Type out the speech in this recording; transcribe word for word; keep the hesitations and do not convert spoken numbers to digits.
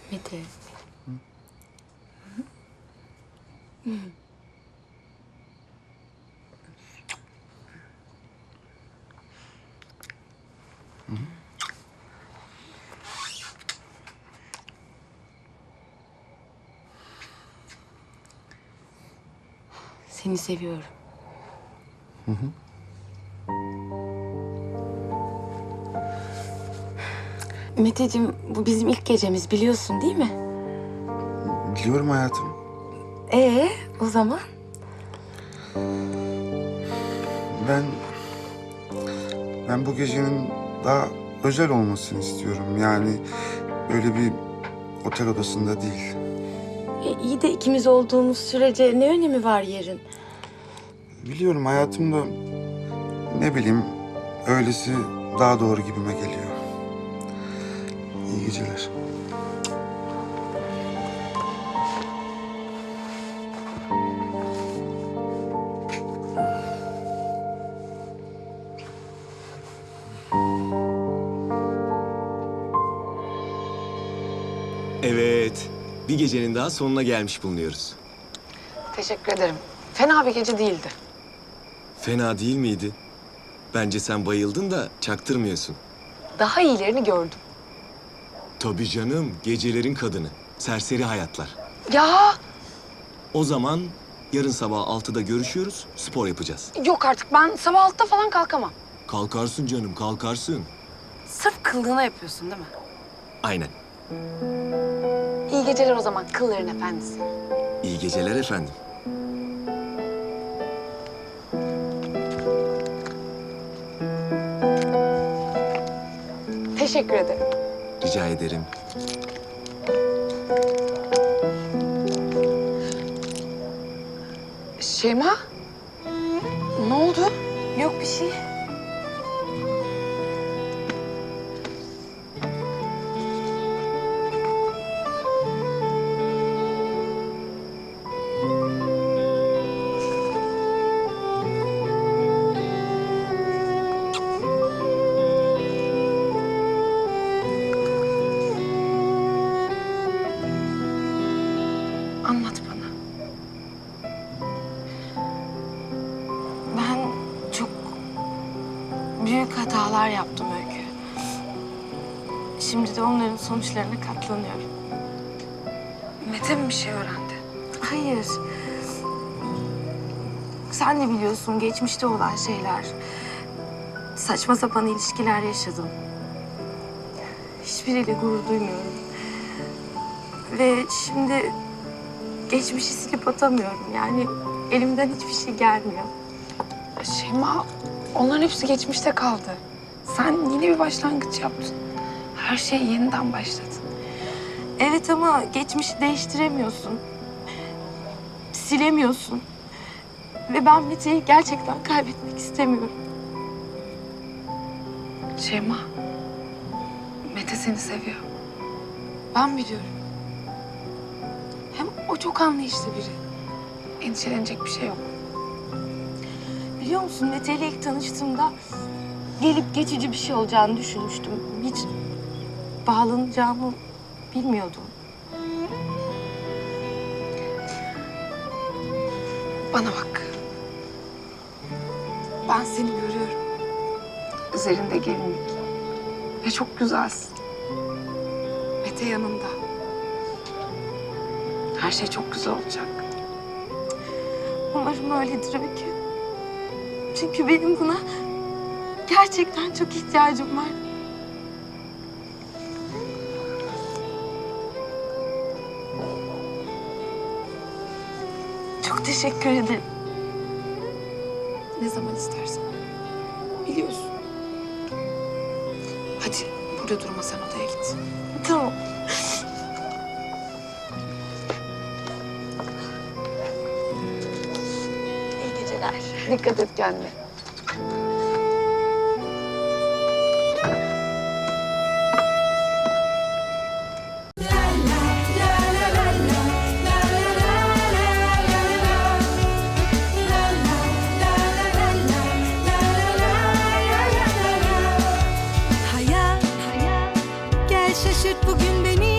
Mete. Hı? Hı. Hı. Seni seviyorum. Hı hı. Meteciğim, bu bizim ilk gecemiz, biliyorsun değil mi? Biliyorum hayatım. Ee, o zaman? Ben... Ben bu gecenin daha özel olmasını istiyorum. Yani öyle bir otel odasında değil. E, iyi de ikimiz olduğumuz sürece ne önemi var yerin? Biliyorum hayatımda ne bileyim öylesi daha doğru gibime geliyor. İyi geceler. Evet, bir gecenin daha sonuna gelmiş bulunuyoruz. Teşekkür ederim. Fena bir gece değildi. Fena değil miydi? Bence sen bayıldın da çaktırmıyorsun. Daha iyilerini gördüm. Tabii canım, gecelerin kadını. Serseri hayatlar. Ya O zaman yarın sabah altıda görüşüyoruz, spor yapacağız. yok artık, ben sabah altıda falan kalkamam. Kalkarsın canım, kalkarsın. Sırf kıllığına yapıyorsun değil mi? Aynen. İyi geceler o zaman kılların efendisi. İyi geceler efendim. Teşekkür ederim. Rica ederim. Şeyma, ne oldu? Yok bir şey. Anlat bana. Ben çok büyük hatalar yaptım Öykü. Şimdi de onların sonuçlarına katlanıyorum. Mete mi bir şey öğrendi? Hayır. Sen de biliyorsun geçmişte olan şeyler. Saçma sapan ilişkiler yaşadım. Hiçbiriyle gurur duymuyorum. Ve şimdi geçmişi silip atamıyorum. Yani elimden hiçbir şey gelmiyor. Şeyma, onların hepsi geçmişte kaldı. Sen yine bir başlangıç yaptın. Her şey yeniden başladı. Evet ama geçmişi değiştiremiyorsun. Silemiyorsun. Ve ben Mete'yi gerçekten kaybetmek istemiyorum. Şeyma, Mete seni seviyor. Ben biliyorum. Hem o çok anlayışlı biri. Endişelenecek bir şey yok. Biliyor musun Mete ile ilk tanıştığımda gelip geçici bir şey olacağını düşünmüştüm. Hiç bağlanacağımı bilmiyordum. Bana bak. Ben seni görüyorum. Üzerinde gelinlik. Ve çok güzelsin. Mete yanında. Her şey çok güzel olacak. Umarım öyledir Öykü. Çünkü benim buna gerçekten çok ihtiyacım var. Çok teşekkür ederim. Ne zaman istersen. Biliyorsun. Hadi burada durma, sen odaya git. Tamam. İyi geceler. Dikkat et kendine. Hayat, gel şaşırt bugün beni.